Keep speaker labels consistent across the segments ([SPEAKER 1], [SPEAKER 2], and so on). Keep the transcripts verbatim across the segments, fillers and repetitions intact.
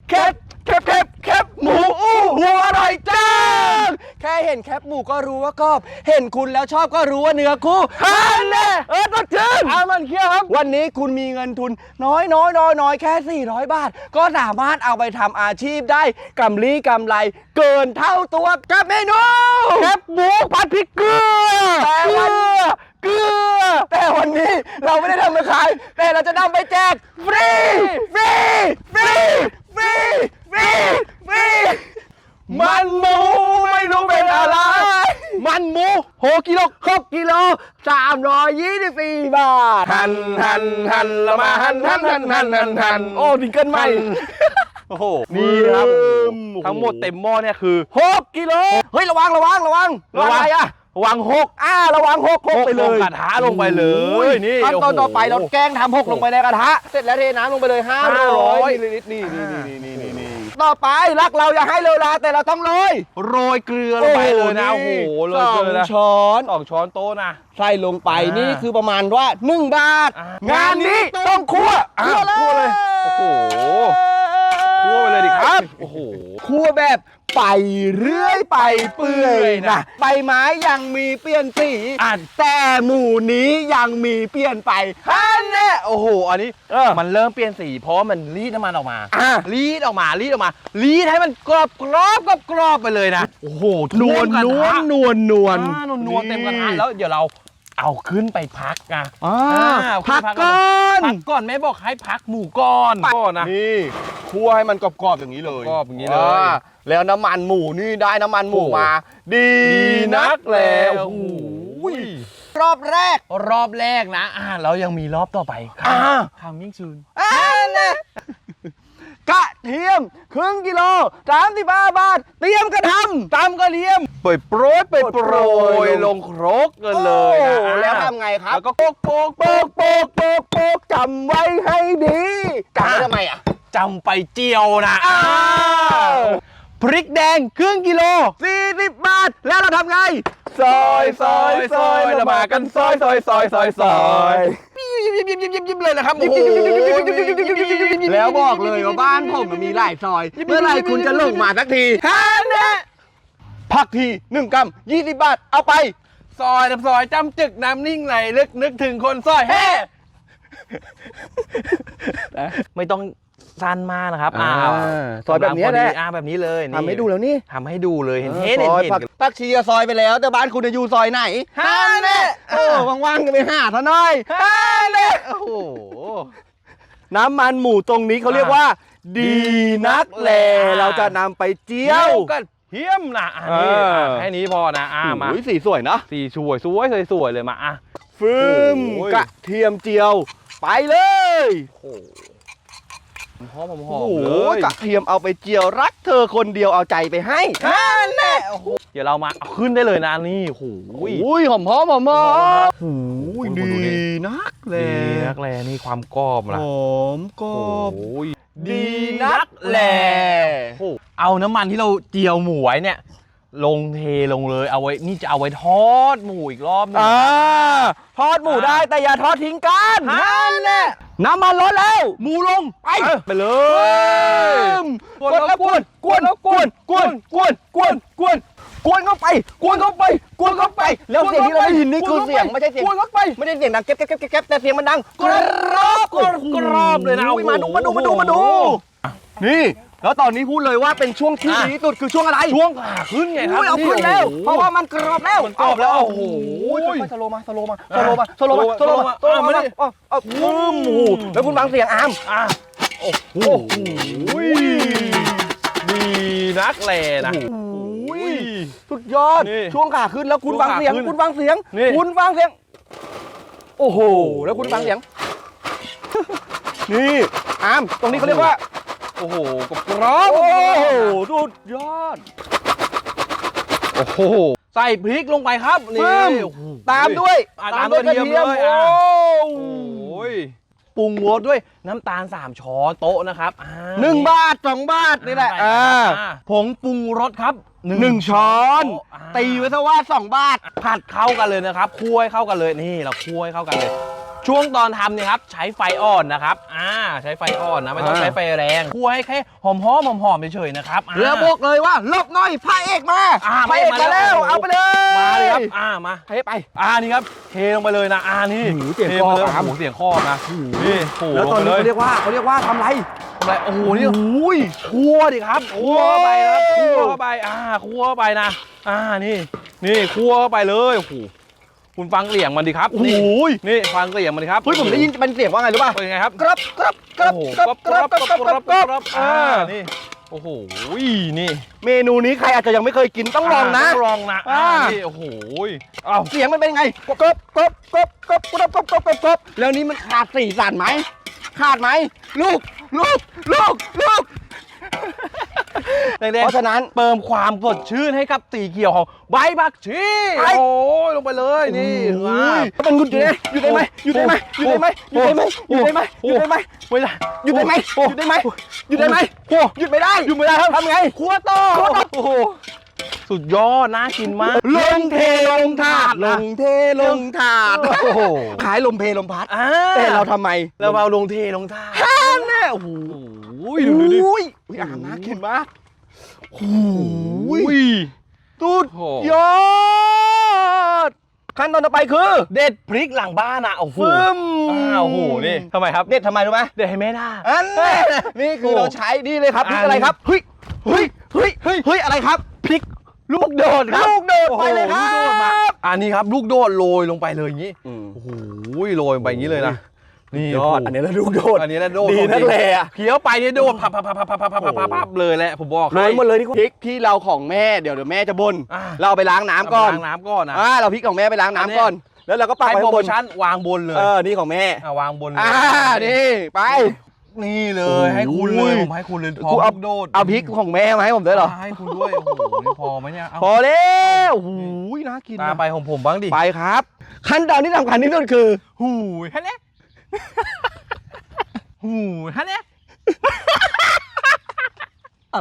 [SPEAKER 1] แคบแคบแคบแคบหมูอู้หูอร่อยจังแค่เห็นแคบหมูก็รู้ว่ากรอบเห็นคุณแล้วชอบก็รู้ว่าเนื้อคู่ฮันเน่เออต้องชื่นอามันเคี้ยวครับวันนี้คุณมีเงินทุนน้อยน้อยน้อยน้อยแค่สี่ร้อยบาทก็สามารถเอาไปทำอาชีพได้กำลีกำไรเกินเท่าตัวกับเมนูแคบหมูผัดพริกเกลือแต่วันเกลือแต่วันนี้เราไม่ได้ทำมาขายแต่เราจะนำไปแจกฟรีฟรีฟรีฟรีฟรีฟรีมันหมูไม่รู้เป็นอะไรมันหมูหกกิโลหกกิโลสามร้อยยี่สิบสี่บาทหันหันหันละมาหันหันหันหันหันหันโอ้ดิงเกินใหม่โอ้โหนี่ครับทั้งหมดเต็มหม้อเนี่ยคือหกกิโลเฮ้ยระวังระวังระวังระวังอะไรอะระวังหกอ่าระวังหกหกไปเลย
[SPEAKER 2] กระทะลงไปเลยนี่
[SPEAKER 1] ขั้นตอนต่อไปเราแกงทำหกลงไปในกระทะเสร็จแล้วเทน้ำลงไปเลยห้าร้อยมิลลิลิตรนี่นี่นี่นี่นี่นี่ต่อไปรักเราอย่าให้เลวร้ายแต่เราต้องโรย
[SPEAKER 2] โรยเกลือลงไปเลยนะโอ้โหโรยเกลือนะ
[SPEAKER 1] ช้อน
[SPEAKER 2] สองช้อนโต๊ะนะ
[SPEAKER 1] ใส่ลงไปนี่คือประมาณว่าหนึ่งบาทงานนี้ต้องคั่ว
[SPEAKER 2] คั่วเลยโอ้โหคั่วไปเลยดิครับโอ้โห
[SPEAKER 1] คั่วแบบไปเรื่อยไปเปื่อยนะใบไม้ยังมีเปลี่ยนสีแต่หมูนี้ยังมีเปลี่ยนไปฮันเน่
[SPEAKER 2] โอ้โหอันนี้มันเริ่มเปลี่ยนสีเพราะมันรีดน้ำมันออกมารีดออกมารีดออกมารีดให้มันกรอบกรอบกรอบกรอบไปเลยนะโอ้โห
[SPEAKER 1] นวลนวลนวลนวล
[SPEAKER 2] นวลนวลเต็มกระทะแล้วเดี๋ยวเราเอาขึ้นไปพักนะ
[SPEAKER 1] พักก่อน
[SPEAKER 2] พักก่อนแม่บอกให้พักหมูก่อนก่อนนะ
[SPEAKER 1] นี่คั่วให้มันกรอบๆอย่างนี้เลย
[SPEAKER 2] กรอบอย่างนี้เลย
[SPEAKER 1] แล้วน้ำมันหมูนี่ได้น้ำมันหมูมาดีนักแล้วรอบแรก
[SPEAKER 2] รอบแรกนะอ่าเรายังมีรอบต่อไป
[SPEAKER 1] อ่า
[SPEAKER 2] ทำยิ่งชืน
[SPEAKER 1] อ่าเนี่ยกระเทียมครึ่งกิโลสามสิบห้าบาทเตรียมกระทำตำกระเทียม
[SPEAKER 2] เปิดโปรยเปิดโปรยลงครกกันเลยนะ
[SPEAKER 1] แล้วทำไงครับแล้วก็โปกโปกโปกโปกโปกโปกจำไว้ให้ดีจำไว้ทำไมอ่ะ
[SPEAKER 2] จำไปเจียวนะพริกแดงครึ่งกิโล
[SPEAKER 1] สี่สิบบาทแล้วเราทำไง
[SPEAKER 2] ซอยซอยซอยเรามากันซอยซอยซอยซอยซอย
[SPEAKER 1] ยิ้มยิ้มยิ้มยิ้มยิ้มเลยนะครับโอ้โหแล้วบอกเลยว่าบ้านผมมีหลายซอยเมื่อไรคุณจะลงมาสักทีฮะเนี่ยผักทีหนึ่งกรัมยี่สิบบาทเอาไป
[SPEAKER 2] ซอยน้ำซอยจำจึกน้ำนิ่งไหลลึกนึกถึงคนซอยเฮ้ไม่ต้องสั้นมากนะครับอ่า
[SPEAKER 1] ซอยแบบนี้แหละ
[SPEAKER 2] อ่าแบบนี้เลย
[SPEAKER 1] ทำให้ดูแล้วนี่
[SPEAKER 2] ทำให้ดูเลยเห็นเห็นเห็นเห็น
[SPEAKER 1] ผักชีซอยไปแล้วแต่บ้านคุณจะอยู่ซอยไหนฮะเนี่ยเออว่างๆกันไปหาท่าน้อยฮะเนี่ยโอ้โหน้ำมันหมูตรงนี้เขาเรียกว่าดีนักแลเราจะนำไปเจียว
[SPEAKER 2] กันเฮี้ยมนะอันนี้แค่นี้พอนะอ่ามา
[SPEAKER 1] สีสวยนะ
[SPEAKER 2] สีสวยสวยสวยเลยมาอ่ะ
[SPEAKER 1] ฟืมกระเทียมเจียวไปเลย
[SPEAKER 2] หอมห
[SPEAKER 1] อมเลยกระเทียมเอาไปเจียวรักเธอคนเดียวเอาใจไปให้
[SPEAKER 2] ฮันแน่เดี๋ยวเรามาเอาขึ้นได้เลยนะนี่โ
[SPEAKER 1] อ้ยหอมหอมหอมหอมโอ้ยดีนักแล
[SPEAKER 2] ดีนักแลนี่ความกรอบนะ
[SPEAKER 1] หอมกรอบ
[SPEAKER 2] ดีนักแลเอาน้ำมันที่เราเจียวหมูไว้เนี่ยลงเทลงเลยเอาไว้นี่จะเอาไว้ทอดหมูอีกรอบนึง
[SPEAKER 1] ทอดหมูได้แต่อย่าทอดทิ้งกันนั่นแหละน้ำมันร้อนแล้วหมูลงไป
[SPEAKER 2] ไปเลย
[SPEAKER 1] กวนแล้วกวนกวนแล้วกวนกวนกวนกวนกวนกวนเข้าไปกวนเข้าไปกวนเข้าไปแล้วเสียงที่เราได้ยินนี่คือเสียงไม่ใช่เสียงกวนเข้าไปไม่ใช่เสียงดังแก๊บแก๊บแก๊บแก๊บแต่เสียงมันดังกรอบก
[SPEAKER 2] รอบเลยนะ
[SPEAKER 1] มาดูมาดูมาดูมาดูนี่แล้วตอนนี้พูดเลยว่าเป็นช่วงที่ดีที่สุดคือช่วงอะไร
[SPEAKER 2] ช่วงขาขึ้นไงครับ
[SPEAKER 1] เอาขึ้นแล้วเพราะว่ามันกรอบแล้ว
[SPEAKER 2] มันกรอบแล้วโอ้โห
[SPEAKER 1] สโลมาสโลมาสโลมาสโลมาสโลมาสโลมาอ๋ออ๋อวู้มแล้วคุณฟังเสียงอาม
[SPEAKER 2] อ่ะโอ้โหดีนักแลนะ
[SPEAKER 1] สุดยอดช่วงขาขึ้นแล้วคุณฟังเสียงคุณฟังเสียงคุณฟังเสียงโอ้โหแล้วคุณฟังเสียงนี่อามตรงนี้เขาเรียกว่า
[SPEAKER 2] โอ้โหกรอบ
[SPEAKER 1] โอ้โหสุดยอด
[SPEAKER 2] โอ้โหใส่พริกลงไปครับนี่
[SPEAKER 1] ตามด้วย
[SPEAKER 2] ตามด้วยกระเทียมเลยโอ้ยปรุงรสด้วยน้ำตาลสามช้อนโต๊ะนะครับ
[SPEAKER 1] หนึ่งบาทสองบาทนี่แหละ
[SPEAKER 2] ผงปรุงรสครับ
[SPEAKER 1] หนึ่งช้อนตีไว้ซะว่าสองบาท
[SPEAKER 2] ผัดเข้ากันเลยนะครับคั่วให้เข้ากันเลยนี่เราคั่วให้เข้ากันเลยช่วงตอนทำเนี่ยครับใช้ไฟอ่อนนะครับอ่าใช้ไฟอ่อนนะไม่ต้องใช้ไฟแรงคั่วให้แค่หอมหอมหอมหอมเฉยๆนะครับอ่า
[SPEAKER 1] แล้วบอกเลยว่าลบหน่อยพระเอกมา
[SPEAKER 2] อ่า
[SPEAKER 1] พระเอกมาแล้ว
[SPEAKER 2] มาแล้ว
[SPEAKER 1] เอาไปเลย
[SPEAKER 2] มาเลยครับอ่ามา
[SPEAKER 1] เทไป
[SPEAKER 2] อ่านี่ครับเทลงไปเลยนะอ่านี่
[SPEAKER 1] หือเสียง
[SPEAKER 2] ท
[SPEAKER 1] คอ
[SPEAKER 2] ไปเลย
[SPEAKER 1] ครับ
[SPEAKER 2] โอ้โหเสียงคอนะนี่โอ้โห
[SPEAKER 1] แล้วตอนนี้
[SPEAKER 2] ลง
[SPEAKER 1] เขา
[SPEAKER 2] ไป
[SPEAKER 1] เรียกว่าเขาเรียกว่าทำไร
[SPEAKER 2] ทำอะไรโอ้โหนี่อุ้ยคั่วดิครับคั่วเข้าไปครับคั่วเข้าไปอ่าคั่วเข้าไปนะอ่านี่นี่คั่วเข้าไปเลยโอ้โหคุณฟังเสียงมันดิครับ
[SPEAKER 1] โอ้โห
[SPEAKER 2] นี่นี่ฟังเสียงมันดิครับ
[SPEAKER 1] เฮ้ยผมได้ยินเป็นเสียงว่าไงรู้ป่ะ
[SPEAKER 2] เป็นยังไงครับ
[SPEAKER 1] กรับกรับกรับ
[SPEAKER 2] โอ้โห
[SPEAKER 1] กรับกรับกรับกรับกรับกรับ
[SPEAKER 2] อ่า
[SPEAKER 1] อ่า
[SPEAKER 2] นี่โอ้โหนี่
[SPEAKER 1] เมนูนี้ใครอาจจะยังไม่เคยกินต้องลองนะ
[SPEAKER 2] ต้องลองนะอ่า
[SPEAKER 1] อ่า
[SPEAKER 2] นี่โอ้โหอ้าว
[SPEAKER 1] เสียงมันเป็นไงกรับกรับกรับกรับกรับกรับกรับกรับกรับแล้วนี่มันขาดสีสันไหมขาดไหมลูกลูกลูกลูก
[SPEAKER 2] เด็กๆ
[SPEAKER 1] เพราะฉะนั้น
[SPEAKER 2] เติมความสดชื่นให้กับสีเขียวของใบผักชี
[SPEAKER 1] ไป
[SPEAKER 2] โอ้ยลงไปเลยนี่
[SPEAKER 1] โอ้
[SPEAKER 2] อ่าย
[SPEAKER 1] มันหยุดอยู่ได้หยุดได้ไหมหยุดได้ไหมหยุดได้ไหมหยุดได้ไหมหยุดได้ไหมหยุดได้ไหม
[SPEAKER 2] ไม่ได้
[SPEAKER 1] หยุดได้ไหมหยุดได้ไหมหยุดได้ไหมหยุดไม่ได้
[SPEAKER 2] หยุดไม่ได้ครับ
[SPEAKER 1] ทำไง
[SPEAKER 2] ครัวต่อ
[SPEAKER 1] ครัวต่อ
[SPEAKER 2] โอ้โหสุดยอดน่ากินมาก
[SPEAKER 1] ลงเทลงถาดลงเทลงถาด
[SPEAKER 2] โอ้โห
[SPEAKER 1] ขายลมเพลลมพัด
[SPEAKER 2] อ่า
[SPEAKER 1] แต่เราทำไม
[SPEAKER 2] เราเอาลงเทลงท่า
[SPEAKER 1] ท่าแน่โอ้โห
[SPEAKER 2] โอ้ยดูดูดิ
[SPEAKER 1] อุ้ยอุ้ยอ่านน่ากินมากโอ้ย
[SPEAKER 2] อุ้ย
[SPEAKER 1] สุด
[SPEAKER 2] โอ้
[SPEAKER 1] ยอดขั้นตอนต่อไปคือ
[SPEAKER 2] เด็ดพริกหลังบ้านอ่ะโอ้โห
[SPEAKER 1] ฟึ่ม
[SPEAKER 2] อ้าวโอ้โหนี่ทำไมครับ
[SPEAKER 1] เด็ดทำไมรู้ไหม
[SPEAKER 2] เด็ดให้แม่ด่า
[SPEAKER 1] อันนี้นี่คือเราใช้นี่เลยครับพริกอะไรครับเฮ้ยเฮ้ยเฮ้ยเฮ้ยเฮ้ยอะไรครับพริกลูกโดดครับลูกโดดไปเลยครั
[SPEAKER 2] โอ้โหลูกโดดมา
[SPEAKER 1] บ
[SPEAKER 2] อันนี้ครับลูกโดดโรยลงไปเลยอย่างนี้
[SPEAKER 1] อืม
[SPEAKER 2] โอ้โหโรยลงไปอย่างนี้เลยนะนี่
[SPEAKER 1] ยอดอันนี้แล้วลูกโดด
[SPEAKER 2] อันนี้แล้วโดด
[SPEAKER 1] ดีนักแลอะ
[SPEAKER 2] เคี้ยวไปเนี่ยโดดพับพับพับพับพับพับพับพับพับเลยแหละผมบอก
[SPEAKER 1] โรยหมดเลยที่พริกที่เราของแม่เดี๋ยวเดี๋ยวแม่จะบ่น
[SPEAKER 2] อ่า
[SPEAKER 1] เราเอาไปล้างน้ำก่อน
[SPEAKER 2] ล้างน้ำก่อนนะ
[SPEAKER 1] อ่าเราพริกของแม่ไปล้างน้ำก่อน แล้วเราก็ปัก
[SPEAKER 2] ให้
[SPEAKER 1] ไว้
[SPEAKER 2] โปร
[SPEAKER 1] ข้างบ
[SPEAKER 2] โม
[SPEAKER 1] น
[SPEAKER 2] ชั่นวางบนเลย
[SPEAKER 1] เออนี่ของแม่
[SPEAKER 2] อ่าวางบนเลย
[SPEAKER 1] อ่านี่ไป
[SPEAKER 2] นี่เลยให้คุณเลย
[SPEAKER 1] โอ้ย
[SPEAKER 2] ผมให้คุณเลยพ
[SPEAKER 1] กู
[SPEAKER 2] อ
[SPEAKER 1] เอา
[SPEAKER 2] ลูกโดด
[SPEAKER 1] เอาพริกของแม่มาให้ผมด้วยเหรอ
[SPEAKER 2] ให้คุณด้วยโอ้โหนี่พอไหมเนี่ยเา
[SPEAKER 1] พอแล้วโอ้โหน่ากิน
[SPEAKER 2] ตาม
[SPEAKER 1] นะ
[SPEAKER 2] ไปของผมบ้างดิ
[SPEAKER 1] ไปครับ ขั้นตอนที่สำคัญที่สุดคือ
[SPEAKER 2] หูยฮะเนี่ยหูยฮะเนี่ย
[SPEAKER 1] อะไร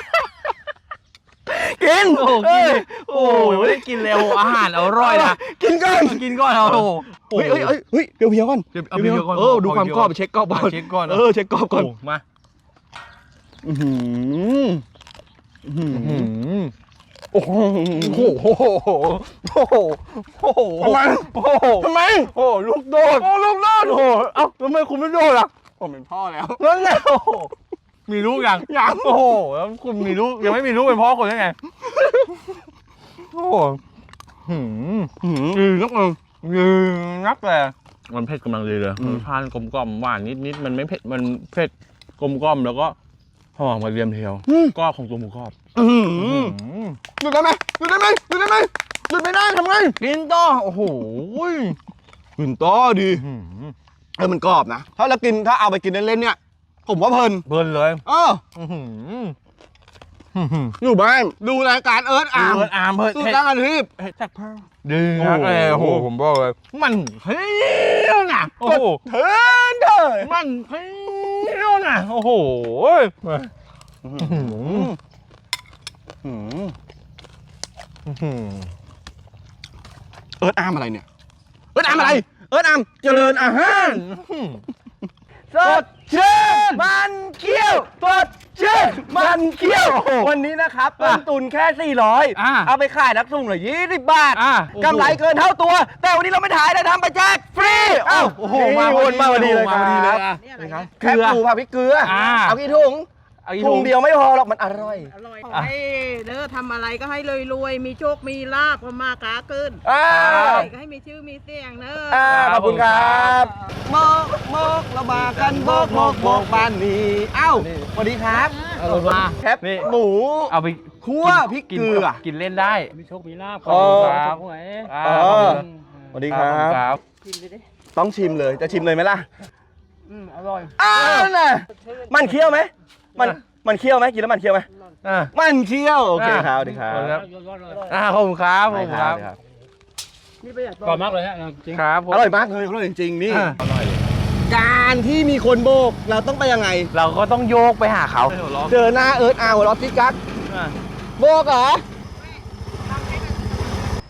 [SPEAKER 1] กิน
[SPEAKER 2] โอ้โห
[SPEAKER 1] เอ
[SPEAKER 2] กิน
[SPEAKER 1] อ
[SPEAKER 2] โอ้ยไม่ได้กินเร็วอาหารอร่อยนะ
[SPEAKER 1] กินก่อน
[SPEAKER 2] กินก่อนเอาโอ้โห
[SPEAKER 1] เฮ้ยเฮ้ยเฮ้ยเฮ้ยเดี๋ยวเพียวก่อน
[SPEAKER 2] เดี๋ยวเอาเพียวก่อน
[SPEAKER 1] เออดูความกรอบเช็คกรอบก่อน
[SPEAKER 2] เช็คก่อน
[SPEAKER 1] เออเช็คกรอบก่อน
[SPEAKER 2] โมา
[SPEAKER 1] อื้อหืออื้อหือ
[SPEAKER 2] หืม
[SPEAKER 1] โอ้โหโอ้โหโอ้โหโอ้โหทำไมโอ้โหทำไมโอ้ลูกโดดโอ้ลูกโดดโอ้โหเอ้าทำไมคุณไม่โดดล่ะผมเป็นพ่อแล้วนั่นแหละโอ้โห
[SPEAKER 2] มีลูกยัง
[SPEAKER 1] ยัง
[SPEAKER 2] โอ้โหแล้วคุณมีลูกยังไม่มีลูกเป็นพ่อคนยังไงโอ้โหหืม
[SPEAKER 1] หืมอือนักมึง
[SPEAKER 2] ยืนนักเลยมันเผ็ดกำลังดีเลยรสชาติกลมกล่อมหวานนิดนิดมันไม่เผ็ดมันเผ็ดกลมกล่อมแล้วก็หอมกระเทียมเทียวกรอบของตัวหมูกรอบ
[SPEAKER 1] อื้อหือ
[SPEAKER 2] อืม
[SPEAKER 1] หยุดได้ไหมหยุดได้ไหมหยุดได้ไหมหยุดไม่ได้ทำไง
[SPEAKER 2] กินต่อโอ้โห
[SPEAKER 1] กินต่อดี
[SPEAKER 2] หืม
[SPEAKER 1] เออมันกรอบนะ ถ้าเรากินถ้าเอาไปกินเล่นๆเนี่ย ผมว่าเพลิน
[SPEAKER 2] เบิร์นเลย
[SPEAKER 1] เออ
[SPEAKER 2] อื้อหืออื้อหือ
[SPEAKER 1] อยู่บ้านดูรายการเอิร์ธอาร์ม
[SPEAKER 2] เบิร์นอาร์มเบิร์น
[SPEAKER 1] สู้
[SPEAKER 2] เผ็ด
[SPEAKER 1] ตั้งอาทิตย์
[SPEAKER 2] เผ็ดจากเพิ่มดีนะ
[SPEAKER 1] โอ้โห
[SPEAKER 2] เออโอ้โหผมบอกเลยมันเพี้ยวนะโอ้โห
[SPEAKER 1] เทินเถอะ
[SPEAKER 2] มันเพี้ยวนะโอ้โหอื้อหือ
[SPEAKER 1] หืม
[SPEAKER 2] อื้อหือ
[SPEAKER 1] เอิร์ธอาร์มอะไรเนี่ย เอิร์ธอาร์มอะไร เอิร์ธอาร์มเจริญอาหาร สดชื่นมันเคี้ยวสดชื่นมันเคี้ยว วันนี้นะครับต้นทุนแค่สี่ร้อย
[SPEAKER 2] อ่ะ
[SPEAKER 1] เอาไปขายนักสุ่งเหลือยี่สิบบาท
[SPEAKER 2] อ่ะ
[SPEAKER 1] กำไรเกินเท่าตัว แต่วันนี้เราไม่ถ่ายเราทำไปแจกฟรีเอ้า
[SPEAKER 2] โอ้โห
[SPEAKER 1] นี่
[SPEAKER 2] มา
[SPEAKER 1] วนมาพอดีเลยค
[SPEAKER 2] มาพอดีเลย
[SPEAKER 1] รับ
[SPEAKER 2] อ่ะ
[SPEAKER 3] นี่อะไร
[SPEAKER 2] ครั
[SPEAKER 3] นะ
[SPEAKER 2] บ
[SPEAKER 1] แคบหมูผัดพริกเกลือ
[SPEAKER 2] อ่า
[SPEAKER 1] เอากี่ถุง
[SPEAKER 2] เอาอีก
[SPEAKER 1] ถุงเดียวไม่พอหรอกมันอร่อย
[SPEAKER 3] อร่อยขอให้เด้อทำอะไรก็ให้รวยๆ มีโชค มีลาบก็มาค้าขึ้น
[SPEAKER 1] อ่า
[SPEAKER 3] ก็ให้มีชื่อมีเสียงเด้อ
[SPEAKER 1] อ่าขอบคุณครับโมกโมกเรามากันโมกโมกโมกบ้านนี้เอ้าสวัสดีครับ
[SPEAKER 2] เอาลงมา
[SPEAKER 1] แคบ
[SPEAKER 2] นี่
[SPEAKER 1] หมู
[SPEAKER 2] เอาไป
[SPEAKER 1] คั่วพริก
[SPEAKER 2] กิน
[SPEAKER 1] เกลือ
[SPEAKER 2] กินเล่นได้
[SPEAKER 4] มีโชค มีลาบ
[SPEAKER 1] อ๋อ
[SPEAKER 4] ครับหวย
[SPEAKER 2] อ่า
[SPEAKER 1] เออ
[SPEAKER 2] ขอบคุณ
[SPEAKER 1] สวัสดีครับ
[SPEAKER 2] ครับ
[SPEAKER 3] กินไปดิ
[SPEAKER 1] ต้องชิมเลยจะชิมเลยไหมล่ะ
[SPEAKER 3] อืมอร่อย
[SPEAKER 1] อ้าวน่ะมันเคี้ยวไหมมันมันเคี้ยวไหมกินแล้วมันเคี้ยวไหม
[SPEAKER 2] อ่า
[SPEAKER 1] มันเคี้ยวโอเคครับสวัสดีครับ
[SPEAKER 2] ครับ
[SPEAKER 4] ยอดๆเลย
[SPEAKER 2] อ่าขอบคุณครับขอบคุณครับ
[SPEAKER 1] ครับ
[SPEAKER 3] นี่ประหยัด
[SPEAKER 4] กรอบมากเลยฮะจริง
[SPEAKER 2] ครับผม
[SPEAKER 1] อร่อยมากเลยอร่อยจริงๆนี่
[SPEAKER 2] อ่า
[SPEAKER 1] การที่มีคนโบกเราต้องไปยังไง
[SPEAKER 2] เราก็ต้องโยกไปหาเขา
[SPEAKER 1] เจอหน้าเอิร์ธอาร์หัวเรอติ๊กกัก
[SPEAKER 2] อ่า
[SPEAKER 1] โบกเหรอ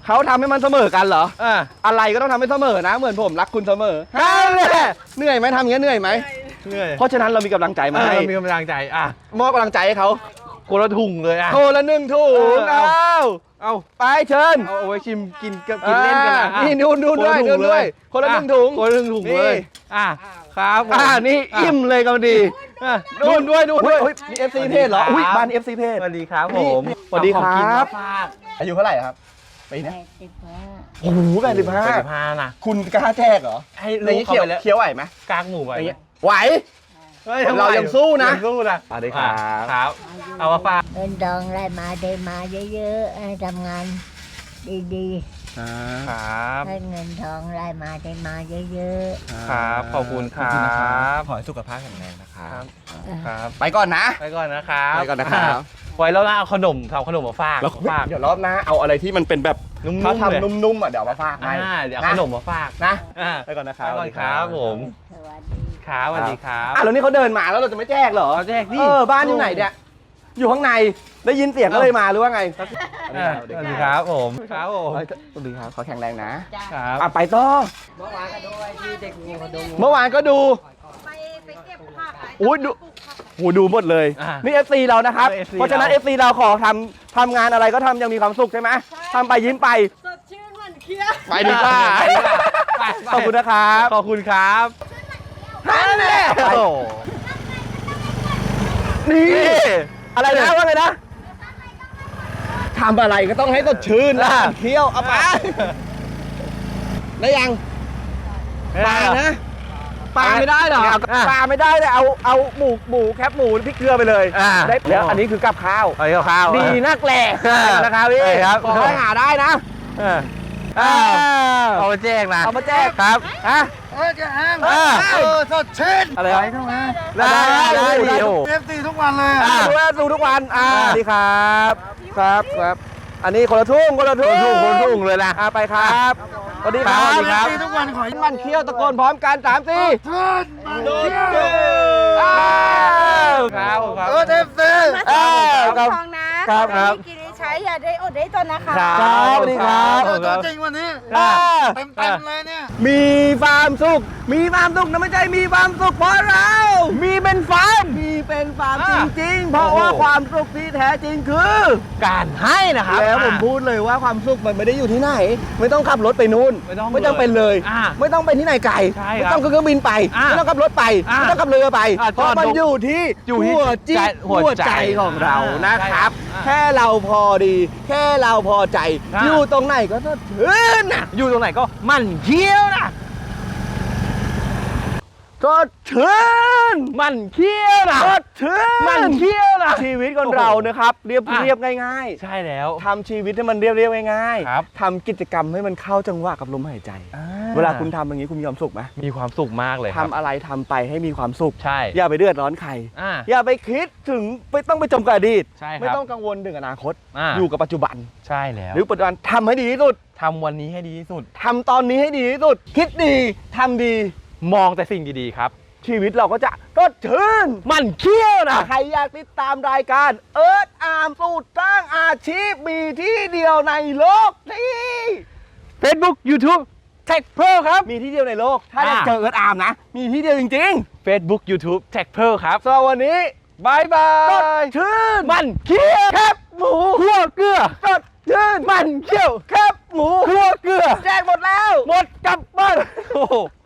[SPEAKER 1] เขาทำให้มันเสมอกันเหรอ
[SPEAKER 2] อ่า
[SPEAKER 1] อะไรก็ต้องทำให้เสมอนะ เหมือนผมรักคุณเสมอฮันแน่เหนื่อยไหมทำอย่างนี้ยเหนื่อยไหม
[SPEAKER 2] เหนื่อย
[SPEAKER 1] เพราะฉะนั้นเรามีกำลังใจมา
[SPEAKER 2] เอ
[SPEAKER 1] ให้
[SPEAKER 2] อมีกำลังใจอ่ะ
[SPEAKER 1] มอบกำลังใจให้เขา
[SPEAKER 2] คนละถุงเลยอ่ะ
[SPEAKER 1] โทรละหนึ่งถุง
[SPEAKER 2] เออ
[SPEAKER 1] เอา
[SPEAKER 2] เอา
[SPEAKER 1] ไปเชิญ
[SPEAKER 2] เอาเอาไว้ชิมกินกับกินเล่นกันนะ
[SPEAKER 1] อ่านี่นู่นนู่นด้วยนู่นด้วยคนละหนึ่งถุง
[SPEAKER 2] คนละหนึ่งถุงเลย
[SPEAKER 1] นี่
[SPEAKER 2] อ่ะครับผม
[SPEAKER 1] อ่านี่อิ่มเลยกันดี
[SPEAKER 2] อ่ะนู่นด้วยนู่นด้วย
[SPEAKER 1] อุ๊มี เอฟ ซี เพจเหรอ อุ้ยบ้าน เอฟ ซี เพจ
[SPEAKER 2] สวัสดีครับผม
[SPEAKER 1] นี่สวัสดีครับ
[SPEAKER 2] เอาของกินมาฝาก
[SPEAKER 1] อายุเท่าไหร่ครับปีนี้โอ้โหแปดสิบห้า
[SPEAKER 2] แปดสิบห้านะ
[SPEAKER 1] คุณกล้าแจกเหรอ
[SPEAKER 2] ให้
[SPEAKER 1] อ
[SPEAKER 2] ลู
[SPEAKER 1] ย่าง
[SPEAKER 2] ก
[SPEAKER 1] นี้
[SPEAKER 2] เข้า
[SPEAKER 1] เคี้ยว
[SPEAKER 2] ไปแล้ว
[SPEAKER 1] เคี้ยวไหวไหม
[SPEAKER 2] กากหมูไป
[SPEAKER 1] อย่างเงี้ยไหว
[SPEAKER 2] ฮ้
[SPEAKER 1] เรายังสู้นะ
[SPEAKER 2] ยังสู้นะ
[SPEAKER 1] สวัสดีครับ
[SPEAKER 2] ครับ เอามาฝาก
[SPEAKER 5] เงินทองได้มาได้มาเยอะๆให้ทำงานดี
[SPEAKER 2] ครับ
[SPEAKER 5] ๆให้เงินทองได้มาได้มาเยอะ
[SPEAKER 2] ครับ ขอบคุณครับ
[SPEAKER 1] ขอให้สุขภาพแข็งแรงนะครับ
[SPEAKER 2] ครับ
[SPEAKER 1] ไปก่อนนะ
[SPEAKER 2] ไปก่อนนะครับ
[SPEAKER 1] ไปก่อนนะครับ
[SPEAKER 2] ไว้แล้วนะเอาขนมทำขนมมาฝาก
[SPEAKER 1] แล้ว
[SPEAKER 2] ฝาก
[SPEAKER 1] เดี๋ยวรอบหน้าเอาอะไรที่มันเป็นแบบ
[SPEAKER 2] นุ่มๆ
[SPEAKER 1] เขา
[SPEAKER 2] เลย
[SPEAKER 1] ทำนุ่มๆอ่ะเดี๋ยวเอามาฝากให้
[SPEAKER 2] อ่าเดี๋ยวเอาขนมมาฝาก
[SPEAKER 1] นะ
[SPEAKER 2] อ่า
[SPEAKER 1] ไปก่อนนะค
[SPEAKER 2] ไป
[SPEAKER 1] รับ
[SPEAKER 2] ก่อนครับผม
[SPEAKER 5] ๆสวัสดี
[SPEAKER 2] ครับสวัสดีครับ
[SPEAKER 1] อ่ะแล้วนี่เขาเดินมาแล้วเราจะไม่แจกเหรอ
[SPEAKER 2] เขาแจกดิ
[SPEAKER 1] เออบ้านอยู่ไหนเนี่ยอยู่ข้างในได้ยินเสียงก็เลยมาหรือว่าไง
[SPEAKER 2] อ่าสวัสดีครับผมครับผม
[SPEAKER 1] เฮ้ยสวัสดีครับขอแข็งแรงนะ
[SPEAKER 2] ครับ
[SPEAKER 1] อ่ะไปต่อเมื่อวานก็ดูเมื่อวานก็ดู
[SPEAKER 3] ไปไปเก็บผัก
[SPEAKER 1] อุ้ยดูโหดูหมดเลย
[SPEAKER 2] อ่ะ
[SPEAKER 1] นี่ เอฟ ซี เรานะครับ
[SPEAKER 2] เอฟซี
[SPEAKER 1] เพราะฉะนั้น
[SPEAKER 2] เรา
[SPEAKER 1] เอฟ ซี เราขอทำทำงานอะไรก็ทำอยังมีความสุขใช่ไหมทำไปยิ้มไป
[SPEAKER 3] สดชื่นหวานเคี้ยว
[SPEAKER 1] ไปดีกว่า
[SPEAKER 2] ไปดีกว่าไปไป
[SPEAKER 1] ขอบคุณนะครับ
[SPEAKER 2] ขอบคุณครับ
[SPEAKER 1] นั่นแหละ
[SPEAKER 2] โอ้โห
[SPEAKER 1] นี่อะไรนะว่าไงนะทำอะไรก็ต้องให้สดชื่นนะเที่ยวเอาไปได้ยังปลานะปลาไม่ได้เหรอปลาไม่ได้เลยเอาเอาหมูหมูแคบหมูพริกเกลือไปเลย
[SPEAKER 2] อ่า
[SPEAKER 1] ได้แล้วอันนี้คือกับข้าว
[SPEAKER 2] ไปกับข้าว
[SPEAKER 1] ดีนักแหละ
[SPEAKER 2] อ่า
[SPEAKER 1] นะครับพี่
[SPEAKER 2] ใช่ครับ
[SPEAKER 1] ขอให้หาได้นะ
[SPEAKER 2] เอออ้าวเอามาแจกนะ
[SPEAKER 1] เอามาแจก
[SPEAKER 2] ครับ
[SPEAKER 1] ฮะ
[SPEAKER 6] เอ้ยจะห้าง
[SPEAKER 2] อ่า
[SPEAKER 6] เออสดชื่น
[SPEAKER 1] อะไร
[SPEAKER 6] ไป
[SPEAKER 1] วะ
[SPEAKER 6] ทั้งนั้น
[SPEAKER 2] ได้ได้
[SPEAKER 1] ได้
[SPEAKER 2] ดีโอ้
[SPEAKER 6] เอฟซีทุกวันเลย
[SPEAKER 1] อ่า
[SPEAKER 6] อะ
[SPEAKER 1] ดูแลดูทุกวันอ่า
[SPEAKER 2] อ่า
[SPEAKER 1] สวัสดีครับครับครับ อันนี้คนละทุ่งคนละ
[SPEAKER 2] ค
[SPEAKER 1] ทุ่
[SPEAKER 2] น
[SPEAKER 1] ง
[SPEAKER 2] ทุ่งคนทุ่งเลยนะ
[SPEAKER 1] อ่าไปครับสวัสดีครับ
[SPEAKER 2] สวัสดีครับ
[SPEAKER 6] เอฟซีทุกวันขอให้
[SPEAKER 1] มันเคี้ยวตะโกนพร้อมกันสามสี่
[SPEAKER 6] ชื่นมันเที่ยว
[SPEAKER 1] อ้าว
[SPEAKER 2] ครับผมครับ
[SPEAKER 6] เออเอฟซี
[SPEAKER 1] เออครับ
[SPEAKER 3] ทองนะครับ
[SPEAKER 1] ครับ
[SPEAKER 3] กินได้ใช้อย่าได้อดได้ตนนะคะ
[SPEAKER 1] ครับสวัสดีครับ
[SPEAKER 6] เออตัวจริงวันนี้
[SPEAKER 1] อ่า
[SPEAKER 6] เต็มเต็มๆเลยเนี่ย
[SPEAKER 1] มีความสุข มีความสุขนะไม่ใช่มีความสุขเพราะเรา มีเป็นฟาร์มมีเป็นฟาร์มจริงๆ เพราะว่าความสุขที่แท้จริงคือ
[SPEAKER 2] การให้นะครับ
[SPEAKER 1] แล้วผมพูดเลยว่าความสุขมันไม่ได้อยู่ที่ไหน ไม่ต้องขับรถไปนู่น
[SPEAKER 2] ไม่ต้อง
[SPEAKER 1] ไม่ต้องเป็นเลย
[SPEAKER 2] อ่า
[SPEAKER 1] ไม่ต้องไปที่ไหนไกล
[SPEAKER 2] ใช่
[SPEAKER 1] ไม่
[SPEAKER 2] ครับ
[SPEAKER 1] ต้องขึ้นเครื่องบินไป
[SPEAKER 2] อ่า
[SPEAKER 1] ไม่ต้องขับรถไป
[SPEAKER 2] อ่า
[SPEAKER 1] ไม่ต้องขับเรือไป
[SPEAKER 2] อ่า
[SPEAKER 1] เพราะมัน
[SPEAKER 2] จอดรถ
[SPEAKER 1] อยู่ที่
[SPEAKER 2] อยู่ที่
[SPEAKER 1] หัวจิต
[SPEAKER 2] ใจหั
[SPEAKER 1] หัว
[SPEAKER 2] วใจ
[SPEAKER 1] ใจของเรา
[SPEAKER 2] อ่าน
[SPEAKER 1] นะครับ
[SPEAKER 2] ใช่ครับ
[SPEAKER 1] แค่เราพอดี แค่เราพอใจ
[SPEAKER 2] อ่า
[SPEAKER 1] อยู่ตรงไหนก็สดชื่นนะ
[SPEAKER 2] อยู่ตรงไหนก็มันเคี้ยวนะ
[SPEAKER 1] สดชื่น
[SPEAKER 2] มันเคี้ยวนะ
[SPEAKER 1] สดชื่น
[SPEAKER 2] มันเคี้ยวนะ
[SPEAKER 1] ชีวิตคนเรานะครับเรียบ
[SPEAKER 2] อ่ะ
[SPEAKER 1] เรียบง่าย
[SPEAKER 2] ใช่แล้ว
[SPEAKER 1] ๆทำชีวิตให้มันเรียบเรียบง่าย
[SPEAKER 2] ครับ
[SPEAKER 1] ทำกิจกรรมให้มันเข้าจังหวะกับลมหายใจ เวลาคุณทำอย่างนี้คุณมีความสุขไหม
[SPEAKER 2] มีความสุขมากเลยค
[SPEAKER 1] ทำ
[SPEAKER 2] รับ
[SPEAKER 1] อะไรทำไปให้มีความสุข
[SPEAKER 2] ใช่
[SPEAKER 1] อย่าไปเดือดร้อนใคร
[SPEAKER 2] อ่า
[SPEAKER 1] อย่าไปคิดถึงไม่ต้องไปจมกับอดีต
[SPEAKER 2] ใช่ครับ
[SPEAKER 1] ไม่ต้องกังวลถึงอนาคต
[SPEAKER 2] อ่า
[SPEAKER 1] อยู่กับปัจจุบัน
[SPEAKER 2] ใช่แล้ว
[SPEAKER 1] หรือปัจจุบันทำให้ดีที่สุด
[SPEAKER 2] ทำวันนี้ให้ดีที่สุด
[SPEAKER 1] ทำตอนนี้ให้ดีที่สุด คิดดีทำดี
[SPEAKER 2] มองแต่สิ่งดีๆครับ
[SPEAKER 1] ชีวิตเราก็จะสดชื่น
[SPEAKER 2] มันเคี้ยวนะ
[SPEAKER 1] ใครอยากติดตามรายการเอิร์ธอาร์มสูตรสร้างอาชีพมีที่เดียวในโลกที่
[SPEAKER 2] Facebook YouTube Tech Pro ครับ
[SPEAKER 1] มีที่เดียวในโลก ถ้า
[SPEAKER 2] อ่า
[SPEAKER 1] จะเจอเอิร์ธอาร์มนะ มีที่เดียวจริง
[SPEAKER 2] Facebook YouTube Tech Pro ครับ
[SPEAKER 1] ๆสำหรับวันนี้บายบา
[SPEAKER 2] ส
[SPEAKER 1] ย
[SPEAKER 2] ด
[SPEAKER 1] ชื่น
[SPEAKER 2] มันเคี้ยว
[SPEAKER 1] แคบหมู
[SPEAKER 2] คั่วเกลือ
[SPEAKER 1] สดชื่น
[SPEAKER 2] มันเคี้ยว
[SPEAKER 1] แคบหมู
[SPEAKER 2] คั่วเกลือ
[SPEAKER 1] แจกหมดแล้ว
[SPEAKER 2] หมดกลับบ้านโอ้โห